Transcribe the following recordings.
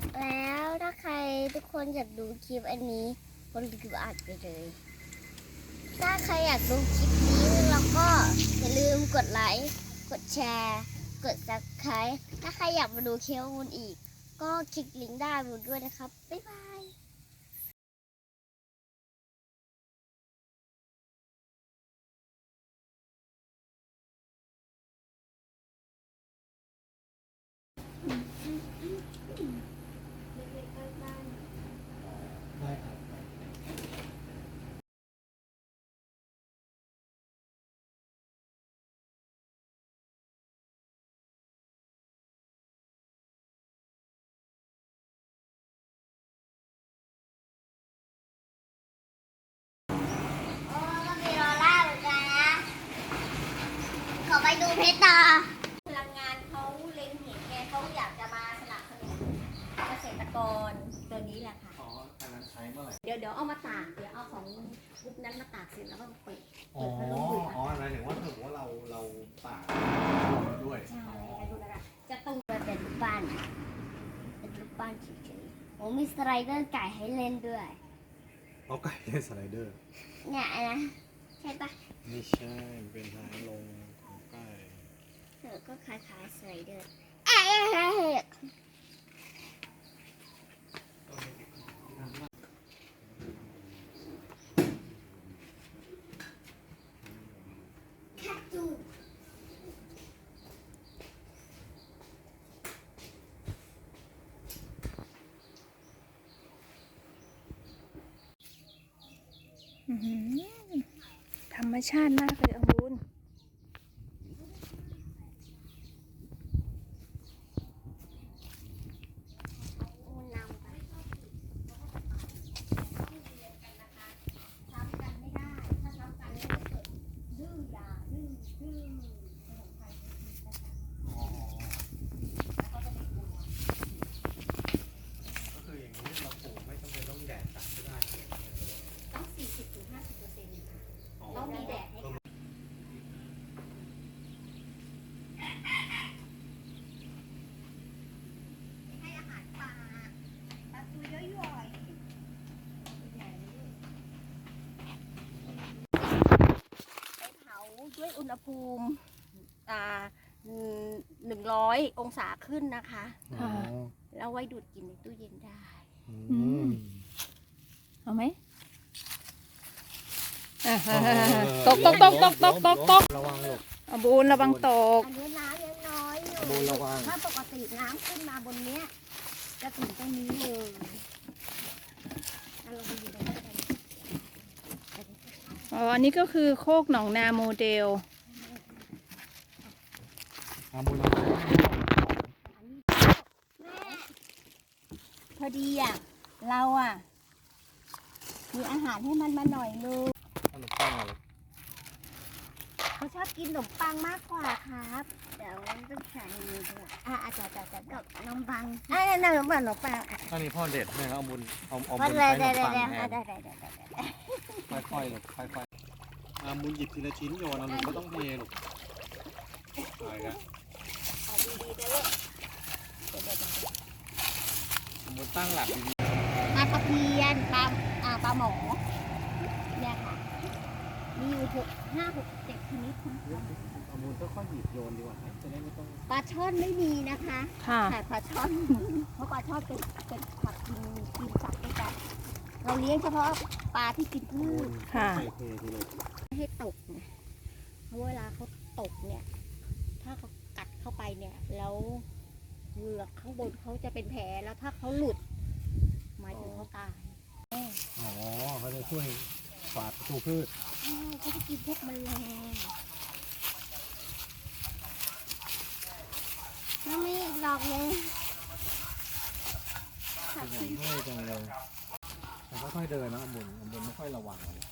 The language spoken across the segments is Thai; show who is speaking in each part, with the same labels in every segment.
Speaker 1: แล้วถ้าใครทุกคนอยากดูคลิปอันนี้คนดูอัดไปเลย ถ้าใครอยากดูคลิปนี้แล้วก็อย่าลืมกดไลค์กดแชร์กด Subscribe ถ้าใครอยากมาดูคลิปมูลอีก ก็คลิกลิงก์ด้านบนด้วยนะครับ บ๊ายบาย
Speaker 2: ได้ครับ
Speaker 1: โอ้ก็มีรอล่าเหมือนกันนะขอไปดูเพชรต่อพลังงานเขาเล็งเห็นไงเขาอยากจะมาสนับสนุนเกษตรกรตัวนี้แหละค่ะ
Speaker 2: อ๋ออันนั้นใช้เมื่อไหร่
Speaker 1: เดี๋ยวเอามาตาก เดี๋ยวเอาของกรุ๊ปนั้นมาตากเสร็จแล้วก็เปิด
Speaker 2: อ๋อ
Speaker 1: พัดลมดูด
Speaker 2: อ๋ออะไรถึงว่าถือว่าเราตากด้วย
Speaker 1: ใช่
Speaker 2: อ๋อ
Speaker 1: ดูแล้วนะจะต้องเป็นรูปปั้นเป็นรูปปั้นเฉยๆโอ้มีสไลเดอร์ไก่ให้เล่นด้วย
Speaker 2: เอาไก่เป็นสไลเดอร์
Speaker 1: เนี่ยนะใช่ปะ
Speaker 2: ไม่ใช่เป็นทางลงของไก่
Speaker 1: ก็คล้ายๆสไลเดอร์เอ๊ะ
Speaker 3: ธรรมชาติมากเลยอมูล
Speaker 2: ก็คืออย่างนี้เราปลูกไม่จำเป็นต้องแดดจัดก็ได้
Speaker 1: ต้อง 40-50%ค่ะ
Speaker 2: อ๋อ
Speaker 1: ต้องมีแดดให้ค่ะให้อาหารปลาตัวย่อยๆไปเผาด้วยอุณหภูมิ100 องศาขึ้นนะคะ
Speaker 2: อ๋อ
Speaker 1: แล้วไว้ดูดกินในตู้เย็นได้
Speaker 2: อืม
Speaker 3: เอาไหมอ่ะ
Speaker 2: อ๋อ
Speaker 3: ตก
Speaker 2: ระวังลูก
Speaker 3: อมูลระวังตก
Speaker 1: อันนี้น้ำยังน้อยอยู่
Speaker 2: บูระวัง
Speaker 1: ถ้าปกติน้ำขึ้นมาบนเนี้ยจะถึงตรงนี้เลยเราไปอยู่ในนั้นกัน
Speaker 3: อ๋อ อันนี้ก็คือโคกหนองนาโมเดล
Speaker 2: บูระวัง
Speaker 1: แม่พอดีอ่ะ เราอ่ะ มีอาหารให้มันมาหน่อยนึง
Speaker 2: ขนมปังอะไร
Speaker 1: เขาชอบกินขนมปังมากกว่าครับ เดี๋ยวต้องใช้มือด้วยอาจจะกับขนมปังขนมปัง
Speaker 2: อันนี้พ่อเด็ดให้เอาบุญเอา
Speaker 1: มั
Speaker 2: บุ
Speaker 1: น
Speaker 2: ญ
Speaker 1: เลย
Speaker 2: ใช้ข
Speaker 1: ได้
Speaker 2: นมปัง
Speaker 1: ได้
Speaker 2: แทน
Speaker 1: ได้
Speaker 2: ค่อยๆลูกค่อยๆบุญหยิบทีละชิ้นโยนเอาลูกไม่ต้องเทลูกอะไรกัน
Speaker 1: ดีๆนะลูก
Speaker 2: บุญตั้งหลักดี
Speaker 1: ปลาตะเพียนปลาหมอเนี่ยค่ะ มีอยู่5-6-7 ชนิด
Speaker 2: เอาบุญค่อยๆหยิบโยนดีกว่าจะได้ไม่ต้อง
Speaker 1: ปลาช่อนไม่มีนะคะ
Speaker 3: ค่ะ
Speaker 1: แต่ปลาช่อน เพราะปลาช่อนเป็นผักกินสัตว์ด้วยกันเราเลี้ยงเฉพาะปลาที่กินพืช
Speaker 3: ค่ะ
Speaker 2: ใส่เททีลูก
Speaker 1: ไม่ให้ตกไงเพราะเวลาเขาตกเนี่ย ถ้าเขากัดเข้าไปเนี่ย แล้วเหงือกข้างบนเขาจะเป็นแผลแล้วถ้าเขาหลุดหมายถึงเขาตาย
Speaker 2: อ๋อเขาจะช่วยฝาดประตูพืช
Speaker 1: เขาจะกินพวกแมลงน้ำมีอีกดอกนึง
Speaker 2: อย่างง่ายจังเลยแต่ค่อยๆเดินนะบุญไม่ค่อยระวังเลย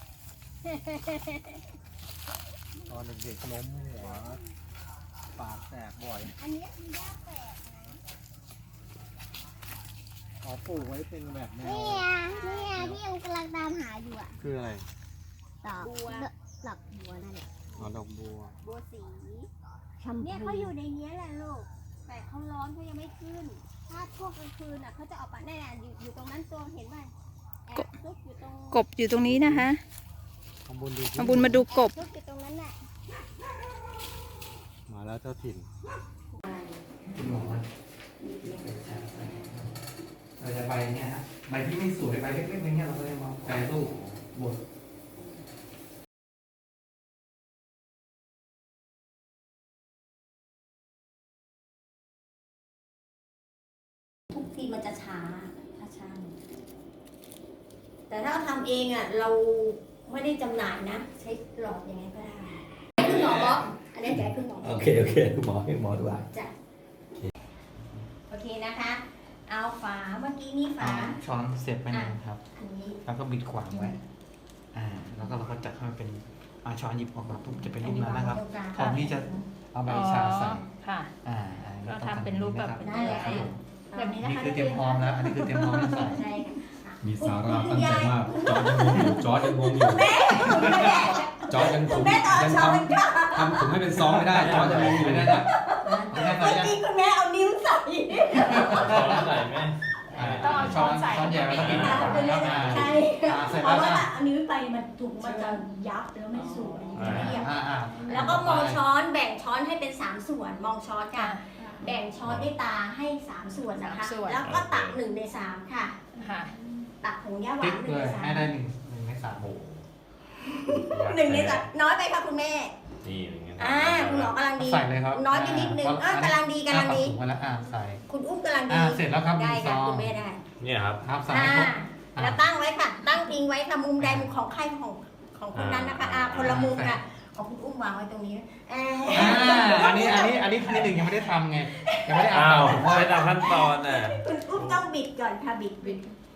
Speaker 2: ตอนเด็กๆล้มหัวปากแตกบ่อย
Speaker 1: อันนี้คือยาแฝด
Speaker 2: อ๋อปลูกไว้เป็นแบบแนว
Speaker 1: เนี่ยที่ยังกำลังตามหาอยู่อ่ะ
Speaker 2: คืออะไร
Speaker 1: ดอกบัวนั่นแหละ
Speaker 2: อ๋อดอกบัว
Speaker 1: บัวสีเนี่ยเขาอยู่ในนี้แหละลูก แต่เขาร้อนเขายังไม่ขึ้นถ้าช่วงกลางคืนอ่ะเขาจะออกมาแน่ๆอยู่ตรงนั้นตัวเห็นไหมแอบซุกอยู่ตรง
Speaker 3: กบอยู่ตรงนี้นะคะ
Speaker 2: ข้างบนดูสิ
Speaker 3: มาบุญมาดูกบ
Speaker 1: ซุกอยู่ตรงนั้นน่ะ
Speaker 2: มาแล้วเจ้าถิ่น
Speaker 4: เราจะใบเนี่ยฮะใบที่ไม่สวยใบเล็กๆอย่างเงี้ยเราก็จะมาแปรรูปบด
Speaker 5: ทุกทีมันจะช้าแต่ถ้าทำเองอ่ะเราไม่ได้จำหน่ายนะ ใช้หลอดยังไงก็ได้คุณหมอบอกอันนี้จะให้คุณหมอ
Speaker 4: โอเคคุณหมอให้หมอดูอ่ะ
Speaker 5: จ้ะโอเคนะคะ เอาฝาเมื่อกี้นี่ฝา
Speaker 4: ช้อนเสียบไปหนึ่งครับ
Speaker 5: อันนี้
Speaker 4: แล้วก็บิดขวางไว้แล้วก็เราก็จัดให้มันเป็นช้อนหยิบออกมาปุ๊บจะเป็นรูปนั้นนะครับพร้อมที่จะเอาใบชาใส่
Speaker 3: ค่ะ
Speaker 4: ก็
Speaker 3: เราทำเป็นรูปแบบ
Speaker 5: ได้เลยค่ะแบบนี้นะ
Speaker 4: นี่
Speaker 5: คะ
Speaker 4: คือเตรียมพร้อมแล้วอันนี้คือเตรียมพร้อมจะใส่
Speaker 5: ใช่ค่ะ
Speaker 6: มีสาระตั้งใจมาก จอร์จยังงงอยู่ จอร์จยังงงอยู่ จอร์จยังผม
Speaker 5: คุณแม่ต่อ
Speaker 6: ยัง
Speaker 5: ช้อน
Speaker 6: ทำผมให้เป็นซองไม่ได้ จอร์จยังงงอยู่
Speaker 4: ไม่
Speaker 6: เล
Speaker 4: ได้
Speaker 6: ย
Speaker 4: นะไม่ได้
Speaker 5: เมื่อกี้คุณแม่เอานิ้วใส่
Speaker 3: ต้องเอาช้อนใส่
Speaker 4: ช้อนใหญ่แล้วก็บิด
Speaker 5: คุณแม่ใช่
Speaker 4: เสร็จ
Speaker 5: เพ
Speaker 4: แล้ว
Speaker 5: ราะว่า
Speaker 4: นะ
Speaker 5: เอานิ้วไปมันถุงมันจะยับแล้วไม่สวยจะเรียบ แล้วก็ม
Speaker 4: ม
Speaker 5: องช้อนแบ่งช้อนให้เป็น3ส่วนมองช้อนค่ะ แบ่งช้อนด้วยตาให้3ส่วนนะคะ
Speaker 3: 3ส่วน
Speaker 5: แล้วก็ตัก1 ใน 3ค่ะ
Speaker 3: ค่ะ
Speaker 5: ตักผงย่าหวา
Speaker 4: ติ๊
Speaker 5: น
Speaker 4: ก
Speaker 5: 1
Speaker 4: เล
Speaker 5: ใน
Speaker 4: ยให้ได้
Speaker 5: 3
Speaker 4: หนึ่งในสามโอ้
Speaker 5: 1 ใน 3น้อยไปค่ะคุณแม่
Speaker 6: นี่อย่างเงี้ย
Speaker 5: คุณหมอกำลังดี
Speaker 4: ใส่เลยครับ
Speaker 5: น้อยไปนิดนึงกำลังดีกำลังดี
Speaker 4: ถุงมาแล้วใส่
Speaker 5: คุณอุ้มกำลังดี
Speaker 4: เสร็จแล้วครับ
Speaker 5: ได้
Speaker 4: ซ
Speaker 5: ค่ะ
Speaker 4: อง
Speaker 5: คุณแม่ได้
Speaker 6: เนี่ยครับ
Speaker 4: ครับใส่ให้ครบ
Speaker 5: แล้วตั้งไว้ค่ะ ตั้งพิงไว้ค่ะมุมใดมุมของใครของคนนั้นนะคะคนละมุมค่ะของคุณอุ้มวางไว้ตรงนี้
Speaker 4: อันนี้ที่หนึ่งยังไม่ได้ทำไงยังไม่ได้
Speaker 7: อ้าว
Speaker 4: ผมว่า
Speaker 7: ไม่ตามขั้นตอนน่ะ
Speaker 5: คุณอุ้มต้องบิดก่อนค่ะบิด